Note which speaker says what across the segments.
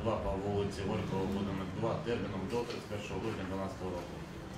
Speaker 1: 2 по вулиці Горького, будинок 2, терміном до 31 грудня 2012 року.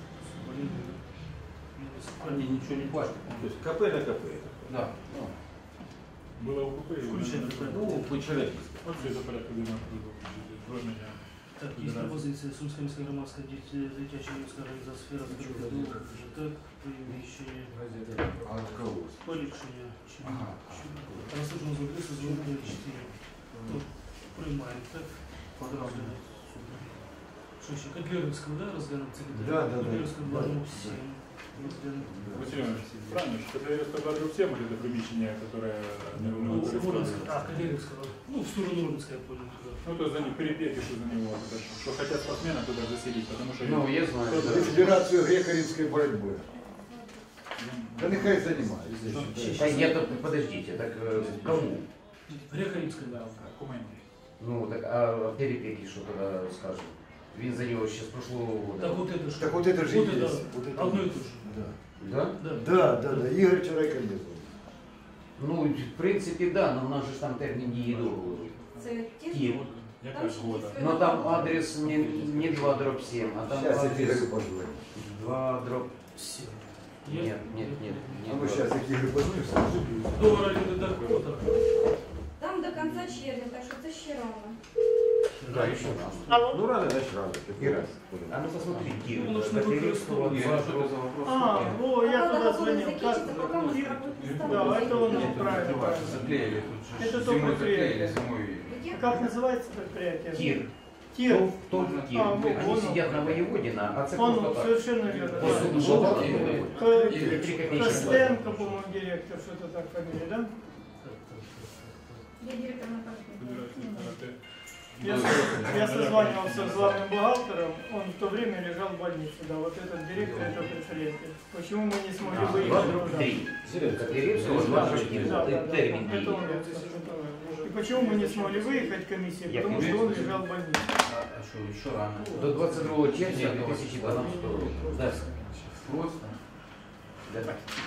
Speaker 2: Они ничего не платят.
Speaker 3: То есть КП на КП.
Speaker 2: Да.
Speaker 4: Было УКП и
Speaker 2: По человечески.
Speaker 4: Вот все это порядка 12
Speaker 5: Так, є пропозиція Сумська міська громадська дитяча юнацька організація сфера здоров'я ЖТЕК, приміщення
Speaker 2: А от кого?
Speaker 5: поліпшення.
Speaker 2: Ага.
Speaker 5: Розслужимо з адресу з 4. Приймаємо, так? Подразумно. Що ще? Котлярівську, да, розглянемо це питання?
Speaker 3: Да.
Speaker 5: Котлярівську блажу всім.
Speaker 4: Василий Иванович, правильно, что это я сказал всем, или это примещение, которое не
Speaker 5: Котлярівську, ну, в сторону Рубинська, я понял.
Speaker 4: Ну, то есть за них перепеки, что за него, что хотят спортсмена туда заселить, потому что...
Speaker 2: Ну, я знаю.
Speaker 3: Федерацию греко-римской борьбы. Да нехай занимается.
Speaker 2: Я тут, подождите, так кому?
Speaker 5: Греко-римська, да.
Speaker 2: Ну, так, а перепеки что тогда скажем? Він за нього ще з прошлого года.
Speaker 5: Так вот это же.
Speaker 3: Так вот это же
Speaker 5: вот
Speaker 3: и
Speaker 5: это,
Speaker 3: есть. Вот это
Speaker 5: одно и
Speaker 3: вот.
Speaker 5: то же.
Speaker 2: Да?
Speaker 3: Да. Игорь вчера и кондиционер.
Speaker 2: Ну, в принципі, да, но в нас же ж там термін дії договору.
Speaker 6: Це ті ж
Speaker 2: Київ.
Speaker 1: Яка ж года?
Speaker 2: Но там адрес не 2/7, а там
Speaker 3: Сейчас я
Speaker 2: адрес
Speaker 3: Игорю позвоню.
Speaker 5: 7.
Speaker 2: Нет.
Speaker 3: А ну сейчас я Игорю позвоню.
Speaker 5: Договор оренди дохода.
Speaker 6: Там до кінця червня, так що це ще рано.
Speaker 2: Да, еще раз.
Speaker 3: Ну рано, значит рано. Какой раз?
Speaker 2: А ну посмотри, Кир,
Speaker 5: Ну, нужно
Speaker 2: Котляревского,
Speaker 5: выкористовывать.
Speaker 2: что это за вопрос?
Speaker 7: Я туда
Speaker 6: Договор
Speaker 7: звонил.
Speaker 6: закінчиться, поки ми
Speaker 7: Кир?
Speaker 6: справимо.
Speaker 7: Да, это он правильно.
Speaker 2: Заклеили, тут же
Speaker 7: Это
Speaker 2: зимой
Speaker 7: только
Speaker 2: заклеили,
Speaker 7: приятно.
Speaker 2: зимой.
Speaker 7: Как называется предприятие?
Speaker 2: Кир.
Speaker 7: Тир.
Speaker 2: Тот Кир.
Speaker 7: А, ну,
Speaker 2: Они
Speaker 7: он-
Speaker 2: сидят на Воеводина, а це
Speaker 7: Он
Speaker 2: просто так.
Speaker 7: совершенно верно.
Speaker 2: По
Speaker 7: да.
Speaker 2: суду жалобы. Три копейки.
Speaker 7: Костенко, по-моему, директор, что-то так фамилия, да?
Speaker 6: Я директор на
Speaker 7: Я созванивался с главным бухгалтером, он в то время лежал в больнице, да, вот этот директор этого предприятия. Почему мы не смогли выехать туда?
Speaker 2: 2-3. Котляревского, 2-3.
Speaker 7: Да,
Speaker 2: Термин
Speaker 7: это он. И почему мы не смогли выехать комиссии?
Speaker 2: Я
Speaker 7: Потому что он лежал в больнице.
Speaker 2: А что, еще рано? До 22 червня 2012 року. Да. Просто. Да.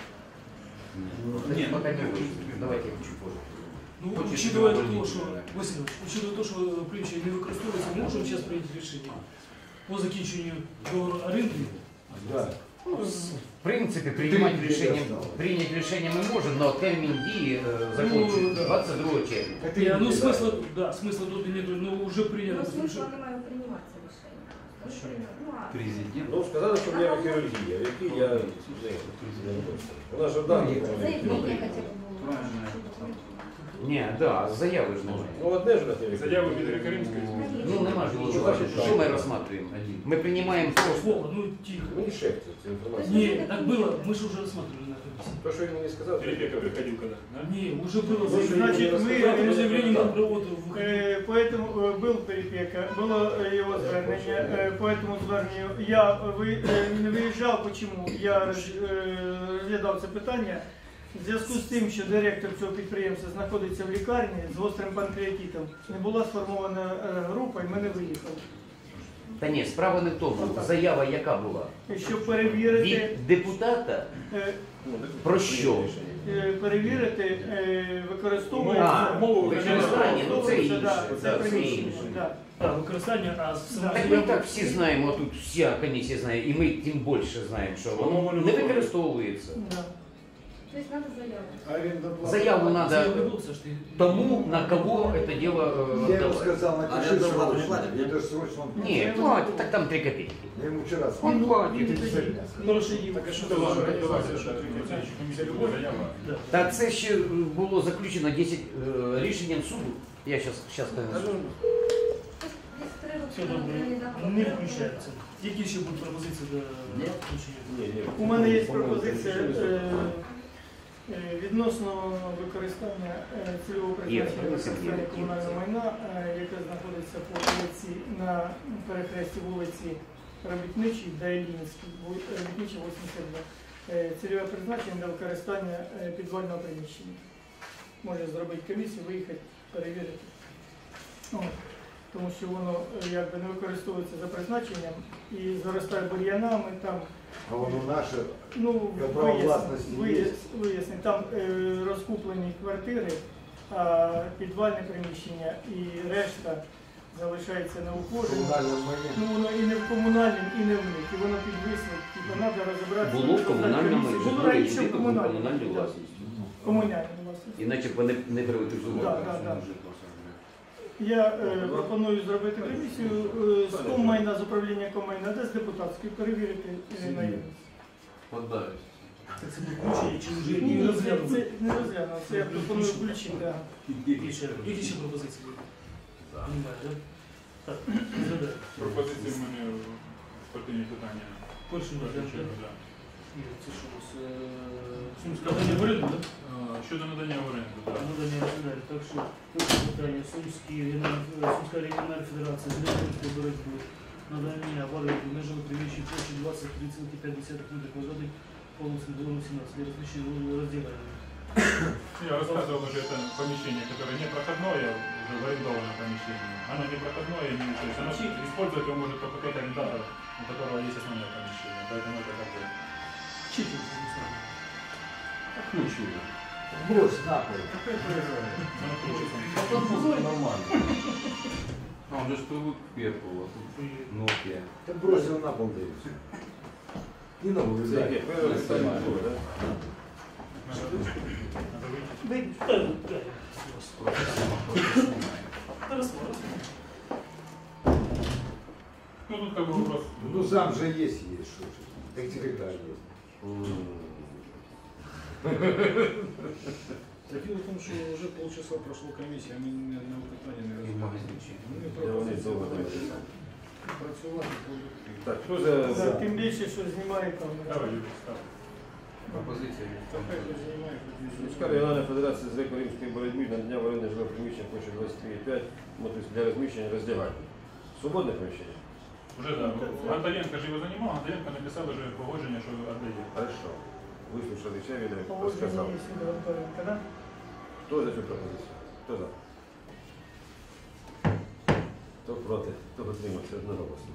Speaker 2: Нет, пока не будет. Давайте чуть позже.
Speaker 5: Ну, учитывая то, что, Васильевич, учитывая то, что приміщення не використовується, ми можемо зараз прийняти рішення по закінченню договору оренди.
Speaker 3: Да.
Speaker 2: В принципе, принять решение мы можем, но термин дії закончится 22 червня.
Speaker 5: Ну, смысла тут нету, но уже принято.
Speaker 6: Ну, смисла немає прийматися рішення.
Speaker 2: Президент.
Speaker 8: Ну, сказали, що в мене хірургія, який я... У нас же дані.
Speaker 6: Заявлення хоча б було.
Speaker 2: Не, да, заяви ж немає.
Speaker 8: Ну, одне ж на телефоні.
Speaker 4: Заяву від Греко-Римської.
Speaker 2: Ну, нема ж нічого. Що ми розглядаємо? Ми приймаємо просто.
Speaker 5: Вова, ну тихо.
Speaker 8: Ну, не шепче цю інформацію.
Speaker 5: Не, так было, мы же уже рассматривали на комиссии.
Speaker 8: То, що він мені сказав,
Speaker 4: Перепека приходил когда?
Speaker 5: Не, уже было
Speaker 7: Значит,
Speaker 5: заявление. Заявление на работу.
Speaker 7: Поэтому был перепека, было его звернення, по этому зверненню я не виїжджав, почему? Я розглядав це питання. В зв'язку з тим, що директор цього підприємства знаходиться в лікарні з гострим панкреатитом, не була сформована група і ми не виїхали.
Speaker 2: Та ні, справа не в тому. Заява яка була?
Speaker 7: Щоб перевірити,
Speaker 2: Від депутата? Про що?
Speaker 7: перевірити, використовується
Speaker 2: Використання, ну це інше.
Speaker 7: це
Speaker 2: Це
Speaker 7: приміщення.
Speaker 2: інше.
Speaker 7: Да.
Speaker 5: Так, використання, а
Speaker 2: Так ми так всі знаємо, тут вся комісія знає, і ми тим більше знаємо, що воно не використовується.
Speaker 7: Да.
Speaker 6: Тобто треба заяву.
Speaker 2: Заяву
Speaker 5: Заяву
Speaker 2: надо
Speaker 5: не було, все ж ти.
Speaker 2: тому, на кого это дело
Speaker 3: Я ему
Speaker 2: отдавать.
Speaker 3: сказал, напиши срочно. Это же срочно.
Speaker 2: Не, платит, так там 3 копейки.
Speaker 3: Я ему вчера
Speaker 2: Он
Speaker 3: сказал.
Speaker 2: платит.
Speaker 5: Хороше діло.
Speaker 4: Так, а що давайте, що комісія любов заява?
Speaker 2: Та це ще було заключено 10 рішенням суду. Я сейчас скажу.
Speaker 5: Все добре, не включається. Які ще будуть пропозиції до включення?
Speaker 7: У мене є пропозиція відносно використання цільового призначення використання комунального майна, яке знаходиться по вулиці на перехресті вулиці Робітничій та Іллінській, Робітничій 82. Цільове призначення для використання підвального приміщення. Може зробити комісію, виїхати, перевірити. Тому що воно якби не використовується за призначенням і заростає бур'янами, там
Speaker 3: А воно наше.
Speaker 7: ну,
Speaker 3: право власності є?
Speaker 7: вияснить, там розкуплені квартири, а підвальне приміщення і решта залишається на
Speaker 3: В
Speaker 7: ухоженні.
Speaker 3: комунальному майні.
Speaker 7: Ну воно і не в комунальному, і не в них. І воно підвисло, типу, треба розібратися.
Speaker 9: Було в комунальному
Speaker 7: Було
Speaker 9: житлові
Speaker 7: раніше в
Speaker 9: будинку
Speaker 7: комунальному.
Speaker 9: комунальній
Speaker 7: Да.
Speaker 9: власності.
Speaker 7: Комунальному власності.
Speaker 9: Іначе б вони не приватизували.
Speaker 7: Да. Я пропоную зробити комісію з коммайна, з управління коммайна, де з депутатської, перевірити наявність.
Speaker 1: Поддаюсь.
Speaker 5: Так це буде включення чи вже
Speaker 7: Ні,
Speaker 5: не
Speaker 7: це
Speaker 5: розглянути?
Speaker 7: не розглянув, це я пропоную включити. Да.
Speaker 5: Які ще пропозиції? Немає, так? Так, розглядаємо.
Speaker 4: Пропозиції в мене спортивні питання.
Speaker 5: Перше розглядаємо.
Speaker 4: Да.
Speaker 5: Ні, це що у нас? Сумська надання в оренду, так?
Speaker 4: Щодо надання в оренду, так.
Speaker 5: Надання в оренду. Так що перше питання. Сумська регіональна федерація з електронської боротьби. Надання в оренду межами приміщень площі 23,5 метрів квадратних по вулиці Двору 17 для размещения раздевания.
Speaker 4: Я рассказывал уже это помещение, которое не проходное, уже в арендованном помещении. Оно не проходное, то есть оно использовать его может только тот арендатор, у которого есть основное помещение. Поэтому это как бы...
Speaker 5: Чики, не знаю.
Speaker 9: Ключове.
Speaker 3: Брось нахуй.
Speaker 4: оно крутится.
Speaker 1: Нормально. А, он же ж привык к перку, а тут Nokia.
Speaker 3: Ты бросил на пол, да и все. И на
Speaker 8: Це
Speaker 3: улице.
Speaker 8: яке? Перше ставимо, так?
Speaker 4: Надо выйти.
Speaker 7: Ви-
Speaker 4: Ну тут как бы вопрос.
Speaker 3: Ну сам же есть что же. Так тебе да, есть.
Speaker 10: Так дело в том, что уже полчаса прошло комиссия, а мы ни одного питання не
Speaker 2: І в
Speaker 10: розглянули.
Speaker 2: магазинчині.
Speaker 10: Ми
Speaker 8: Я вони довго не
Speaker 10: пропозиції працювати продукти.
Speaker 8: Так, хто за...
Speaker 7: Да, тим більше, що знімає камера.
Speaker 4: Давай, Юрий, ставь.
Speaker 2: Пропозиція від
Speaker 10: Хай хтось займає, хоч
Speaker 8: Міська регіональна федерація з греко-римської боротьби надання в оренду жилого приміщення площі 23,5 для розміщення роздягальні. Свободне приміщення?
Speaker 4: Уже да. Антоненко же его занимал, Антоненко написал уже погоджение, что отдает.
Speaker 8: Хорошо. Вислушали все, він
Speaker 7: Погодження
Speaker 8: розказав.
Speaker 7: є сюди Антоненка, да?
Speaker 8: Хто за цю пропозицію? Хто за? Хто проти? Хто утримався одноголосно?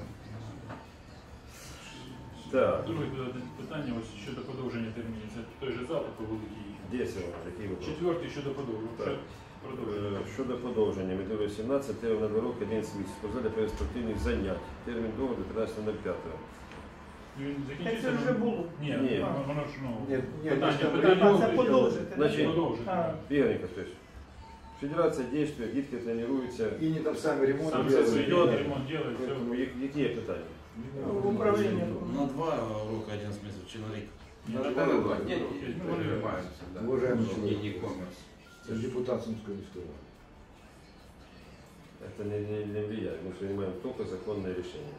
Speaker 8: Так,
Speaker 4: Друге питання ось щодо подовження термінів. Це той же запит по великій.
Speaker 8: де це воно? Який вопрос?
Speaker 4: Четвертий щодо подовження.
Speaker 8: Так.
Speaker 4: Продовження.
Speaker 8: Щодо подовження, медові 17, термін на 2 роки, 11 місяців. Спортзалі для спортивних занять. Термін договору 13.05.
Speaker 4: Він
Speaker 7: Так
Speaker 4: закінчився?
Speaker 7: це вже було.
Speaker 4: Ні,
Speaker 8: Ні.
Speaker 4: воно ж, ну,
Speaker 3: Нет, нет,
Speaker 4: питання.
Speaker 7: А, це подовжити.
Speaker 8: Значить,
Speaker 4: Продовжити.
Speaker 7: А.
Speaker 8: Игорь Николаевич, федерация действует, дітки тренируються.
Speaker 3: И не там сами ремонт
Speaker 4: Сам
Speaker 3: делают.
Speaker 4: все
Speaker 8: делает.
Speaker 4: ремонт делает, все.
Speaker 8: Які є питання?
Speaker 7: В управлінні.
Speaker 1: На 2 роки 11 месяцев человек.
Speaker 4: Не
Speaker 1: На
Speaker 4: на
Speaker 1: 2
Speaker 4: два.
Speaker 1: роки. Нет,
Speaker 4: Ну,
Speaker 1: не занимаются, да.
Speaker 3: Уважаемый
Speaker 1: Не
Speaker 3: человек.
Speaker 1: e-commerce.
Speaker 3: Это депутат Сумской міської ради.
Speaker 8: Это не влияет. Мы принимаем только законное решение.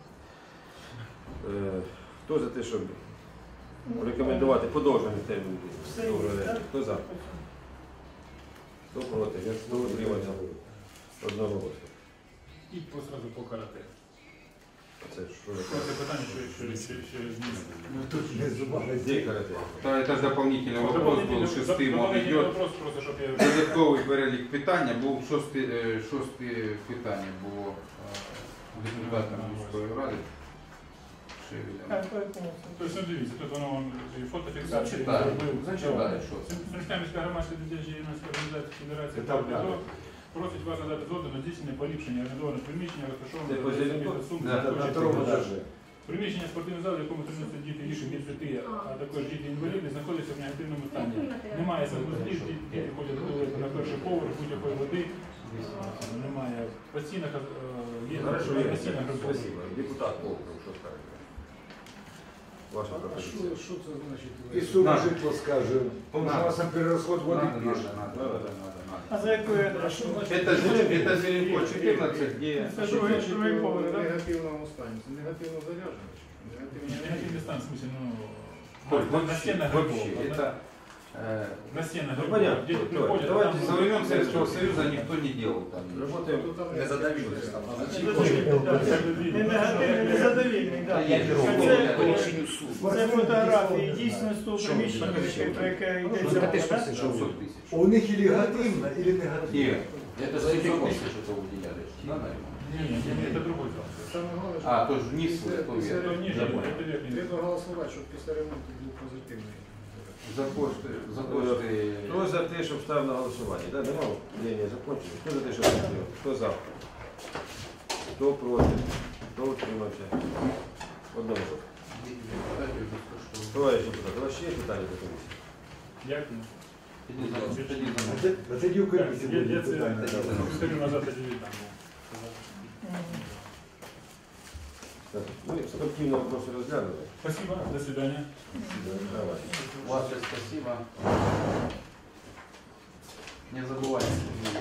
Speaker 8: Хто за те, щоб рекомендувати подовжений термін?
Speaker 7: Все є, так?
Speaker 8: Хто за? Хто проти? Хто утримався? Одноголосно.
Speaker 4: І сразу по карате.
Speaker 8: Це що
Speaker 4: Це
Speaker 8: таке?
Speaker 4: питання, що змінити.
Speaker 3: Ну тут не забавно.
Speaker 8: Де карате?
Speaker 11: Это ж дополнительный вопрос был, шестым он
Speaker 4: Дополнительний
Speaker 11: идет.
Speaker 4: вопрос, просто, щоб я...
Speaker 11: Додатковий перелік питання, був шосте питання було депутатом міської ради. Шевеля.
Speaker 4: Тобто, ну, дивіться, тут воно і фотофіксація.
Speaker 11: Зачитай,
Speaker 4: зробив.
Speaker 11: зачитай, що це.
Speaker 4: Сумська міська громадська дитяча юнацька організація Федерації
Speaker 3: Це так
Speaker 4: «Правда»
Speaker 3: надо.
Speaker 4: просить вас надати згоду на здійснення поліпшення орендованих приміщення,
Speaker 8: Це
Speaker 4: розташованих
Speaker 8: по Зеленко?
Speaker 4: Сумської
Speaker 11: Да,
Speaker 3: На втором этаже.
Speaker 4: Приміщення спортивного залу, в якому тренуються діти віку від 5, а також діти-інваліди, знаходяться в негативному стані. Немає санвузлів, діти ходять до туалету на перший поверх, будь-якої води, немає постійних, є
Speaker 8: Хорошо,
Speaker 4: постійних
Speaker 8: Игорь,
Speaker 4: роботи.
Speaker 8: спасибо. Депутат Волков, що скажете? Ваша
Speaker 10: А
Speaker 8: пропозиція.
Speaker 10: що це значить?
Speaker 3: И сумма
Speaker 11: Надо.
Speaker 3: житла, скажем. Потому что у нас там перерасход воды
Speaker 11: Надо,
Speaker 3: пишет.
Speaker 11: надо.
Speaker 7: А за якою
Speaker 10: А
Speaker 7: адресою?
Speaker 10: що значить?
Speaker 11: Это Зеленко 14, где...
Speaker 7: Це
Speaker 10: Що
Speaker 7: другий
Speaker 10: значить
Speaker 7: другий
Speaker 10: в
Speaker 7: поверх, так?
Speaker 10: негативному стані? Це негативно заряджено?
Speaker 4: Негативний стан, в смысле,
Speaker 11: Коль,
Speaker 4: ну, на стенах
Speaker 11: вообще,
Speaker 4: грибов,
Speaker 11: это...
Speaker 4: на стенах
Speaker 8: Ну,
Speaker 4: грибов,
Speaker 8: понятно.
Speaker 4: дети
Speaker 8: Давайте,
Speaker 4: приходят,
Speaker 8: давайте
Speaker 4: там-
Speaker 11: Со времен Советского Союза никто не делал там.
Speaker 8: Работаем.
Speaker 9: Не задавилось там.
Speaker 7: Не негативний, не задовільний,
Speaker 2: Та
Speaker 7: так.
Speaker 2: я беру
Speaker 7: Це-
Speaker 2: по рішенню суду.
Speaker 7: Це фотографії дійсно з того приміщення, про яке йдеться
Speaker 2: Та ти
Speaker 7: мова,
Speaker 2: що
Speaker 7: так?
Speaker 2: це 600 тисяч?
Speaker 3: У них или негативно, или негативно.
Speaker 11: Нет.
Speaker 2: Это за 700 тисяч это выделяли. Да, наверное?
Speaker 4: Не, это другой зал.
Speaker 10: Саме головне, що
Speaker 11: А, то ж вниз, то
Speaker 10: після
Speaker 11: вверх.
Speaker 4: Это ниже,
Speaker 11: Я понял.
Speaker 4: это верхний.
Speaker 10: треба голосувати, щоб після ремонту був позитивний.
Speaker 11: За кошти.
Speaker 8: Хто за те, щоб став на голосування? Да, нема? Ні, закончили. Хто за те, щоб став? Хто за? Хто проти? Хто утримався? Одноголосно. Товарищ депутат, у вас ще є питання до комісії?
Speaker 4: Дякую.
Speaker 3: А тоді у комісії буде
Speaker 4: Я це
Speaker 3: питання.
Speaker 4: скажу назад тоді віддам.
Speaker 8: Так, ми спортивно вопроси розглянули.
Speaker 4: Спасибо, до свидания.
Speaker 8: Давай.
Speaker 1: Ваше спасибо. Не забывайте.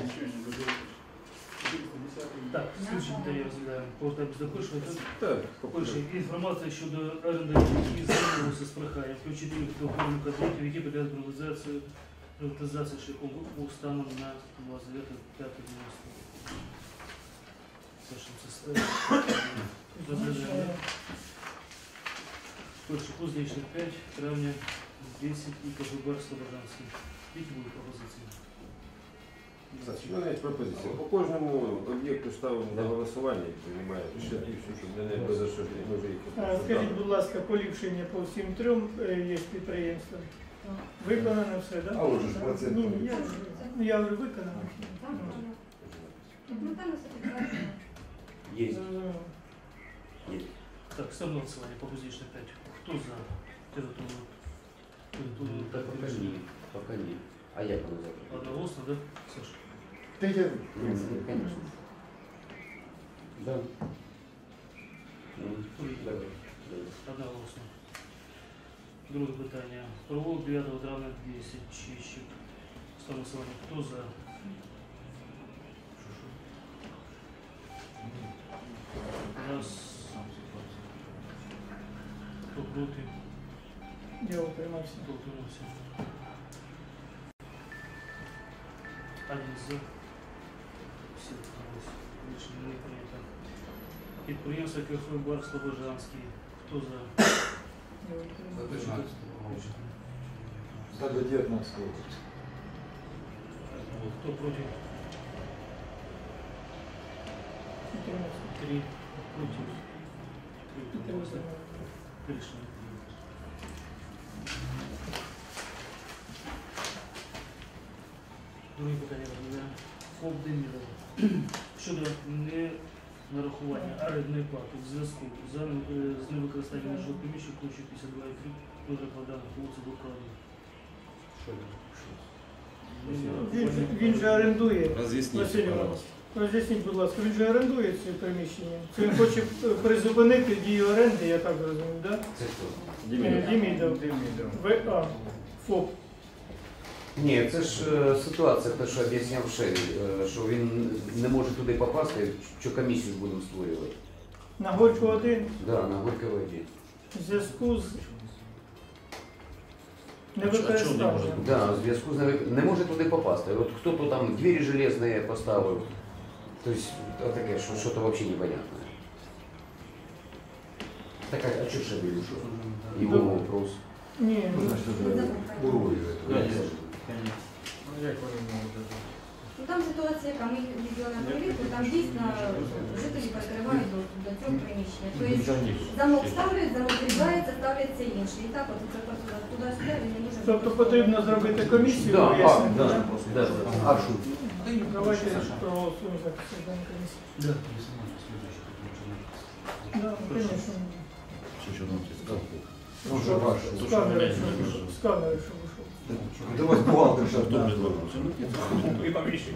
Speaker 5: Так, слідчі питання розглядаємо. Повертаємось до першого.
Speaker 8: Так,
Speaker 5: Перше, інформація щодо орендарів, які звернулися з проханням включити їх до охорони кабінетів, які підлягають приватизації шляхом викупу станом на 29.5.90. Першим составі. Розглядаємо. Перше, Кузнечний 5, травня 10 і КГБ Слобожанський. Які будуть пропозиції?
Speaker 8: У мене є пропозиція. По кожному об'єкту ставимо на голосування і приймаємо. Ще більше, щоб не без осуждення. Може, їх
Speaker 7: Скажіть, будь ласка, поліпшення по всім трьом є підприємствам. Виконано все, так?
Speaker 3: А отже ж процент.
Speaker 7: Ні, я вже виконано.
Speaker 6: Ну там все прекрасно.
Speaker 9: Есть.
Speaker 5: Так, ставимо на голосування по Кузнечний 5. Хто за територію?
Speaker 2: Так, пока ні. Пока ні. А як воно завтра?
Speaker 5: Одноголосно, да, Саша?
Speaker 3: Та я
Speaker 2: Конечно. Да. Да.
Speaker 5: Одноголосно. Друге питання. Провулок 9 травня 10. Чищик. Ставимо голосування. Хто за? Раз. Хто проти?
Speaker 7: Я утримався.
Speaker 5: Хто утримався? Один за. Всі утрималися. Рішення не прийнято. Підприємство КФ «Бар Слобожанський». Хто за?
Speaker 7: Я утримався.
Speaker 3: за до 19 року.
Speaker 5: Хто проти?
Speaker 7: Утримався.
Speaker 5: 3 проти. 3 утрималися.
Speaker 7: Утримався.
Speaker 5: Рішення прийнято. Друге питання розглядаємо. ФОП «Демірова» щодо ненарахування орендної плати в зв'язку з невикористанням жилого приміщення площею 52,3 метра квадратних вулиці Блокади.
Speaker 7: Він же орендує.
Speaker 9: Разъясните,
Speaker 7: Василь Іванович,
Speaker 9: пожалуйста.
Speaker 7: роз'ясніть, будь ласка, він же орендує це приміщення. Це він хоче призупинити дію оренди, я так розумію, так?
Speaker 2: Це хто?
Speaker 7: Демідов. ВА. ФОП.
Speaker 2: Ні, це ж ситуація, те, що об'ясняв Шеві, що він не може туди попасти, що комісію будемо створювати.
Speaker 7: На Горьку 1
Speaker 2: Да, на Горького 1.
Speaker 7: в зв'язку з невикористанням.
Speaker 2: Да, в зв'язку з не може туди попасти. От хто-то там двері железні поставив. Тобто, таке, що щось взагалі непонятне. Так, а що Шеві ушов? Його вопрос.
Speaker 7: Ні,
Speaker 3: Ну, значит, это уровень.
Speaker 6: Ну там ситуація, яка ми їздили на перевірку, там дійсно жителі перекривають до цього приміщення. Тобто замок ставлять, замок зрізається, ставляться інші. І так от це просто туди-сюди він не може.
Speaker 7: тобто потрібно зробити комісію,
Speaker 2: Да,
Speaker 7: вияснити,
Speaker 2: да,
Speaker 7: да?
Speaker 2: да. А що?
Speaker 7: Давайте проголосуємо за засідання комісії.
Speaker 5: Да.
Speaker 7: Да, конечно.
Speaker 3: Ну, уже ваш.
Speaker 7: Сканер, що вийшов.
Speaker 3: Это у вас бухгалтер сейчас.
Speaker 4: І поміщення.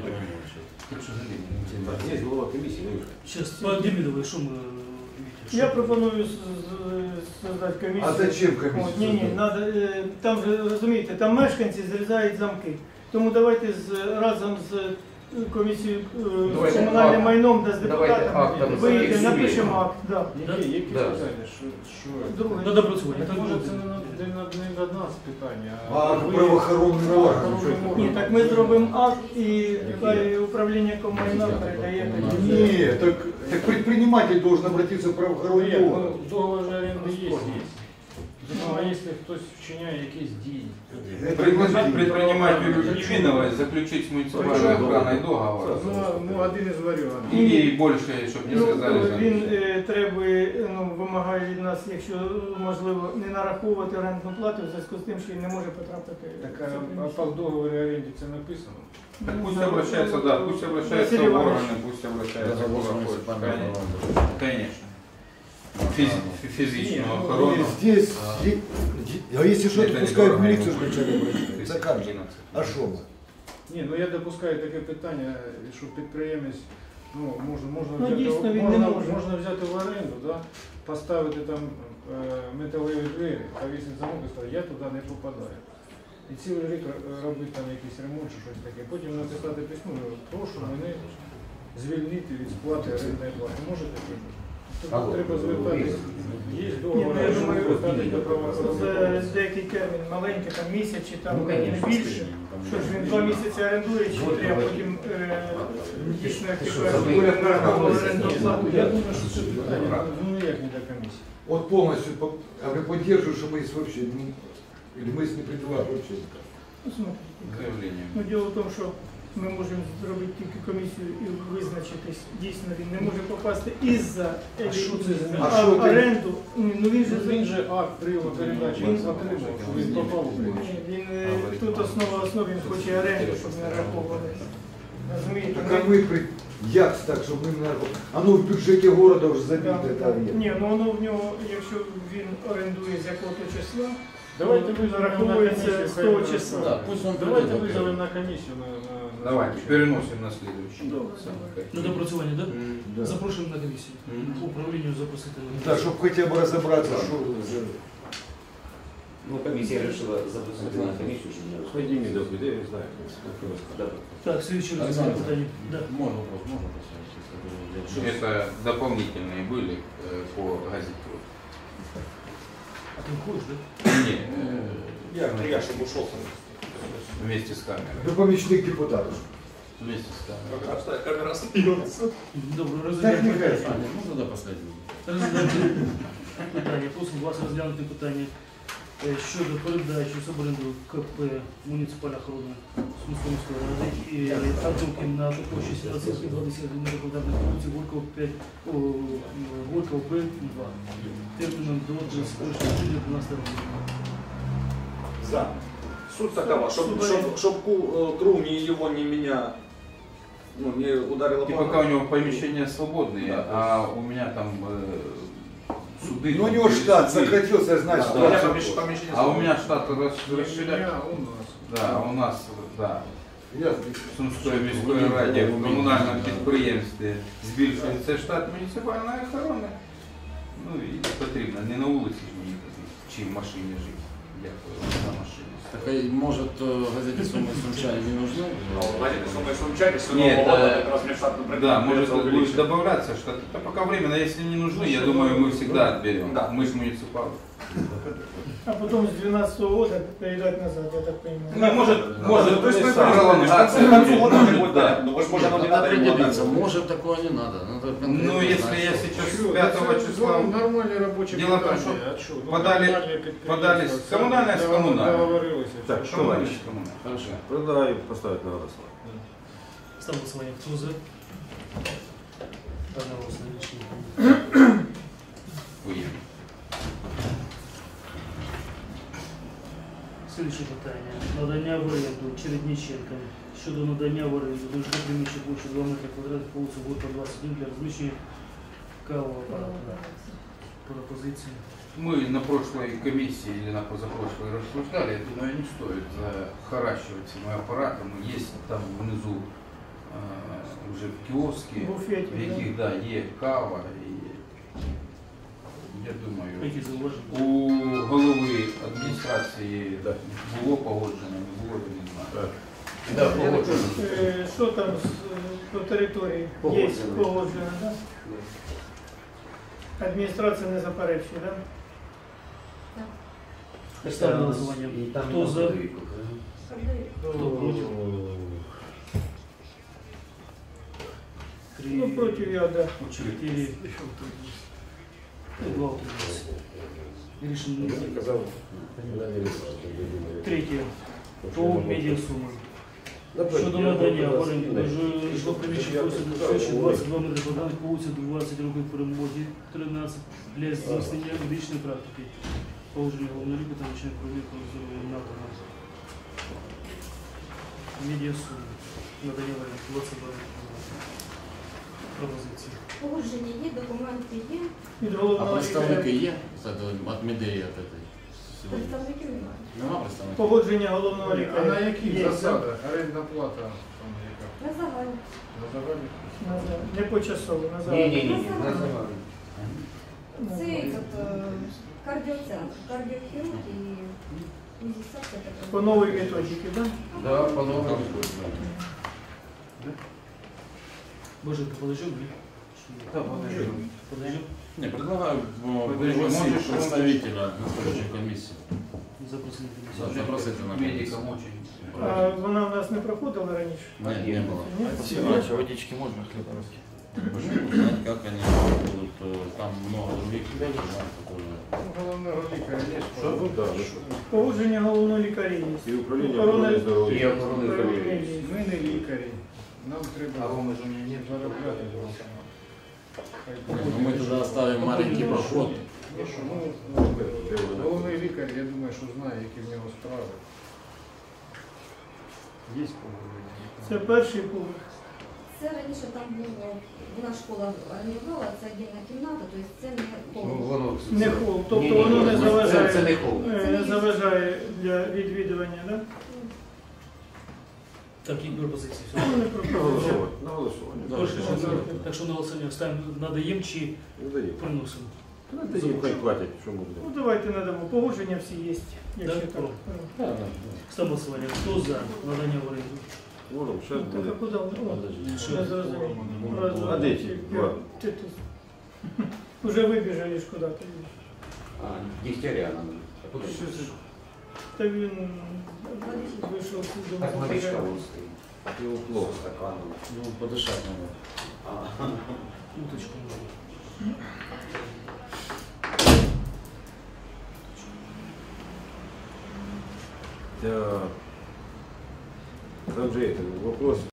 Speaker 8: Є голова комісії, не
Speaker 5: Зараз по Демідовій, що ми...
Speaker 7: Я пропоную создати комісію.
Speaker 3: А зачем комісію
Speaker 7: Ні,
Speaker 3: создати?
Speaker 7: надо, там же, розумієте, там мешканці зрізають замки. Тому давайте разом з комісією з
Speaker 2: Давайте
Speaker 7: комунальним
Speaker 2: акт.
Speaker 7: майном, де з
Speaker 2: Давайте
Speaker 7: депутатами,
Speaker 2: актом
Speaker 7: вийдемо,
Speaker 2: зафіксуємо.
Speaker 7: напишемо акт. Да.
Speaker 10: Які
Speaker 2: Да.
Speaker 10: питання? Що?
Speaker 7: Друге.
Speaker 5: До допрацювання.
Speaker 10: Це може це не до нас питання,
Speaker 3: А
Speaker 10: ви-
Speaker 3: правоохоронний орган.
Speaker 10: правоохоронний
Speaker 3: що
Speaker 10: орган.
Speaker 7: Ні, так ми зробимо акт і хай управління комунального передає.
Speaker 3: Нет, так предприниматель должен обратиться в правоохоронный
Speaker 10: Нет,
Speaker 3: орган.
Speaker 10: ну, договор же аренды есть. Ну, а якщо хтось вчиняє якісь дії?
Speaker 1: Предложить предпринимателю Литвиновой заключить с муниципальной охраной договор.
Speaker 10: Ну, один із варіантів.
Speaker 1: И больше, чтобы не сказали за
Speaker 7: Він треба, вимагає від нас, якщо можливо, не нараховувати орендну плату в зв'язку з тим, що він не може потрапити.
Speaker 10: Так, а по договору оренді це написано?
Speaker 1: Так пусть обращается, да, пусть обращается в органы, пусть обращается в органы. Конечно. Физичную охрану.
Speaker 3: Здесь, а если что,
Speaker 1: Это
Speaker 3: то
Speaker 1: не
Speaker 3: пускай в
Speaker 1: дорого,
Speaker 3: милицию
Speaker 1: не
Speaker 3: вначале
Speaker 1: будет.
Speaker 3: обращаются. За как же? А что мы?
Speaker 10: Ні, ну я допускаю таке питання, що підприємець, ну, можна
Speaker 7: дійсно, він не може.
Speaker 10: можна взяти в оренду, да, поставити там металеві двері, повісити замок і сказати, я туди не попадаю. І цілий рік робити там якийсь ремонт чи щось таке. Потім написати письмо, прошу мене звільнити від сплати орендної плати. Можете? Тобто треба звертатися. Є
Speaker 7: Ні,
Speaker 10: договор,
Speaker 7: я думаю,
Speaker 10: звертатися до правоохоронців.
Speaker 7: за деякий термін, маленький, там місяць чи там не більше. Що ж він 2 місяці орендує, чи треба потім дійсно оренду плату.
Speaker 10: Я думаю, що це питання, ну ніяк не до комісії.
Speaker 3: Вот полностью, а вы поддерживаете, что мы есть вообще, или мы не призываем вообще никак?
Speaker 7: Ну, смотрите.
Speaker 1: Заявление.
Speaker 7: Ну, діло в тому, що ми можемо зробити тільки комісію і визначитись. Дійсно, він не може попасти із-за оренду. Ну,
Speaker 10: Він же акт прийому передачі він отримав, що він попав у приміщення.
Speaker 7: Він тут основа основ, він хоче оренду, щоб не раховували. Розумієте?
Speaker 3: Так а мы, як так, чтобы мы, наверное, оно в бюджете города уже забито, это объект.
Speaker 7: Ні, ну воно в нього, якщо він орендує з якого-то числа,
Speaker 10: Давайте визовемо на
Speaker 7: зараховується
Speaker 10: комісію.
Speaker 7: з того числа.
Speaker 10: Да, пусть он давайте визовемо на комісію.
Speaker 1: Давайте, переносим на следующий.
Speaker 5: На допрацювання, так?
Speaker 3: Да.
Speaker 5: Запрошуємо на комісію. Управлінню запросити на
Speaker 3: Да, чтобы хотя бы разобраться, что за...
Speaker 2: Ну, комиссия решила запустить на комиссию, чтобы не
Speaker 8: Пойди мне добрый, я не знаю.
Speaker 2: Да.
Speaker 5: Так, слідче розгляд питання. Да.
Speaker 11: Можно вопрос.
Speaker 1: Это дополнительные были по газете.
Speaker 5: А ти входиш, так?
Speaker 1: Нет,
Speaker 11: Я чтобы ушел.
Speaker 1: вместе с камерой.
Speaker 3: До помічник депутатов.
Speaker 1: Вместе с камерой.
Speaker 11: Камера смеется.
Speaker 5: Добре,
Speaker 3: Так
Speaker 5: розглядаємо
Speaker 3: не кажется.
Speaker 5: питання.
Speaker 11: Ну тогда последний.
Speaker 5: Розглядаємо питання. Просимо вас розглянути питання щодо передачі в суборенду КП «Муніципальна охорона» Сумської міської ради і Артумкін на площі 17,20 квадратних вулиці Горького 5, Горького П2 терміном до 31 жовтня 12 року.
Speaker 9: За. Суть такова, чтобы круг ни его, ни меня не ударило
Speaker 1: И
Speaker 9: по
Speaker 1: пока у него помещения свободные,
Speaker 9: Да,
Speaker 1: а у меня там суды.
Speaker 3: Ну у него штат сократился, значит,
Speaker 9: Да, у меня
Speaker 3: штат.
Speaker 9: помещение
Speaker 1: А у меня штат
Speaker 10: У
Speaker 1: расширяется.
Speaker 10: меня, у нас.
Speaker 1: Да, у нас, да.
Speaker 3: Ясно.
Speaker 1: В Сумської міської раді в комунальному підприємстві збільшується штат муніципальної охорони. Ну і потрібно, не на вулиці ж мені чи в машині жити. Дякую за машину.
Speaker 11: Так, может, газете «Суммы Сумчане» не нужны?
Speaker 9: Владимир, думаю, случайно, что
Speaker 1: Нет,
Speaker 9: Нового года как раз мне штатный
Speaker 1: Да, может
Speaker 9: придется
Speaker 1: будет
Speaker 9: увеличить.
Speaker 1: добавляться что-то. Это пока временно, если не нужны, я думаю, мы всегда отберем.
Speaker 9: Да.
Speaker 1: Мы же муниципалы.
Speaker 7: А потім з 12-го года передати назад, я так розумію.
Speaker 1: Ну, может,
Speaker 9: то есть мы
Speaker 1: пролонгация.
Speaker 9: к концу года
Speaker 1: Может,
Speaker 9: будет,
Speaker 1: да.
Speaker 9: ну, возможно, оно не
Speaker 11: Надо
Speaker 9: надо ему
Speaker 11: определиться,
Speaker 9: отдать.
Speaker 11: может такое не надо. Надо конкретно
Speaker 1: Ну, если
Speaker 11: знать,
Speaker 1: я
Speaker 11: что.
Speaker 1: сейчас с 5 числа
Speaker 10: Нормальный рабочий
Speaker 1: Дело в том, что подали с коммунальной с коммунальной.
Speaker 10: Договорились.
Speaker 8: Так,
Speaker 1: Товарищ
Speaker 8: товарищ,
Speaker 1: коммунальный.
Speaker 11: Хорошо.
Speaker 8: продай поставить на голосование.
Speaker 5: Ставлю голосування. Хто за? Одноголосно рішення.
Speaker 1: Уедем.
Speaker 5: Слідче питання. Надання в оренду Чередніченка щодо надання в оренду до житлового приміщення площі 2 метри квадратних по вулиці Горка 21 для розміщення кавового апарату. Пропозиції.
Speaker 1: Мы на прошлой комиссии или на позапрошлой рассуждали, я думаю, не стоит захоращивать этими аппаратами. Есть там внизу уже киоски,
Speaker 7: Буфеті,
Speaker 1: в яких да, є кава. І, я думаю,
Speaker 5: Які зауваження?
Speaker 1: у голови адміністрації було погоджено, не було, я не знаю.
Speaker 2: Да, погоджено.
Speaker 7: Що там по території? Є
Speaker 2: Погоджено.
Speaker 7: погоджено, так? Адміністрація не заперечує, так?
Speaker 5: Ставлю на голосування.
Speaker 2: І там
Speaker 5: Хто за?
Speaker 2: подвійку.
Speaker 5: Хто проти?
Speaker 7: Ну, проти я, так.
Speaker 5: 4. 2 утрималися. Рішення не
Speaker 8: Я
Speaker 5: прийнято.
Speaker 8: казав, вона не вирішила, що я думаю.
Speaker 5: Третє.
Speaker 8: Тому що
Speaker 5: По
Speaker 8: я можу-
Speaker 5: медіасуми.
Speaker 8: Наприклад,
Speaker 5: Щодо
Speaker 8: я
Speaker 5: надання
Speaker 8: можу
Speaker 5: в оренду
Speaker 8: вас-
Speaker 5: жилоприміщень
Speaker 8: Я
Speaker 5: площі
Speaker 8: кажу,
Speaker 5: 22 метри квадратних по вулиці 20 років перемоги 13 для здійснення медичної практики. Положення головного лікаря та начальник провірки здоров'я надано. Медіасуми. Надання в оренду 22 метри квадратних. Пропозиції.
Speaker 6: Погодження є, документи є,
Speaker 7: Від
Speaker 11: А
Speaker 7: головного
Speaker 11: представники
Speaker 7: лікаря.
Speaker 11: є? От Медеї от этой. Сьогодні.
Speaker 6: представників немає.
Speaker 11: Нема представників?
Speaker 7: Погодження головного
Speaker 10: А
Speaker 7: лікаря.
Speaker 10: на яких
Speaker 7: Є,
Speaker 10: засадах? Орендна плата там яка?
Speaker 6: На загальні.
Speaker 10: На загальних?
Speaker 7: Не почасово, на
Speaker 2: Ні,
Speaker 7: загальні.
Speaker 2: ні, ні, на загальні.
Speaker 6: Це кардіоцентр, кардіохірург і фізіосакція.
Speaker 7: По новій методиці, так?
Speaker 2: Да, по-новому.
Speaker 5: Боже, ти подожди, ні?
Speaker 2: Да, подожди.
Speaker 5: Подожди.
Speaker 11: Не, предлагаю
Speaker 1: Подожди,
Speaker 11: пригласить
Speaker 1: можешь
Speaker 11: представителя на следующей комиссии.
Speaker 5: Запросити.
Speaker 11: Да, запросите на
Speaker 1: Медикам
Speaker 11: комиссию.
Speaker 1: очень.
Speaker 7: А вона в нас не проходила раніше?
Speaker 11: Нет, не было.
Speaker 7: Ні?
Speaker 9: водички можно хлеб русский?
Speaker 11: Чтобы узнать, как они будут, там много других людей, которые...
Speaker 10: Головного лікаря є ж.
Speaker 8: Що тут, да, ну,
Speaker 7: Погодження головного лікаря є.
Speaker 8: І управління
Speaker 7: Охорони-
Speaker 8: охорони
Speaker 2: І
Speaker 8: здоров'я.
Speaker 2: охорони здоров'я.
Speaker 10: Ми не лікарі. Нам треба
Speaker 1: Роми ж у меня нет.
Speaker 10: заробляти.
Speaker 11: Ну, мы туда оставим маленький проход.
Speaker 10: Головний лікар, я думаю, що знає, які в нього справи. Є погодження.
Speaker 7: Це перший поверх.
Speaker 6: Це раніше там було, вона школа орендувала, це отдільна кімната, тобто це не
Speaker 2: Ну,
Speaker 6: холл.
Speaker 2: воно...
Speaker 7: Не холл, тобто
Speaker 2: Ні, ні,
Speaker 7: воно не
Speaker 2: ні,
Speaker 7: заважає.
Speaker 2: Це не холл.
Speaker 7: Не заважає для відвідування, так?
Speaker 5: Так, які пропозиції? Все.
Speaker 7: Ну, не пропозиція.
Speaker 8: На голосування.
Speaker 5: Трошки ще так що на голосування ставимо, надаємо чи
Speaker 8: Ну, даємо.
Speaker 5: приносимо?
Speaker 8: Даємо, хай платять, що ми
Speaker 7: Ну
Speaker 8: будемо.
Speaker 7: давайте надамо. Погодження всі є, якщо
Speaker 5: Да,
Speaker 7: так.
Speaker 5: про. Ставимо голосування. Хто за надання в оренду?
Speaker 8: Вором,
Speaker 7: Ну,
Speaker 8: зараз
Speaker 7: так а
Speaker 8: буде.
Speaker 7: куди? О,
Speaker 11: Подожди.
Speaker 7: не зрозумів.
Speaker 8: А де ті два?
Speaker 7: Ти тут. Уже вибіжали ж куди-то.
Speaker 2: А, Дегтяря надо. А куди?
Speaker 7: Та він вийшов з дому.
Speaker 2: Так, водичка вон стоїть.
Speaker 8: Ну, плохо.
Speaker 2: Стаканом.
Speaker 11: Ну, подышать надо.
Speaker 2: А,
Speaker 5: Уточку.
Speaker 8: Так. Там же это, вопрос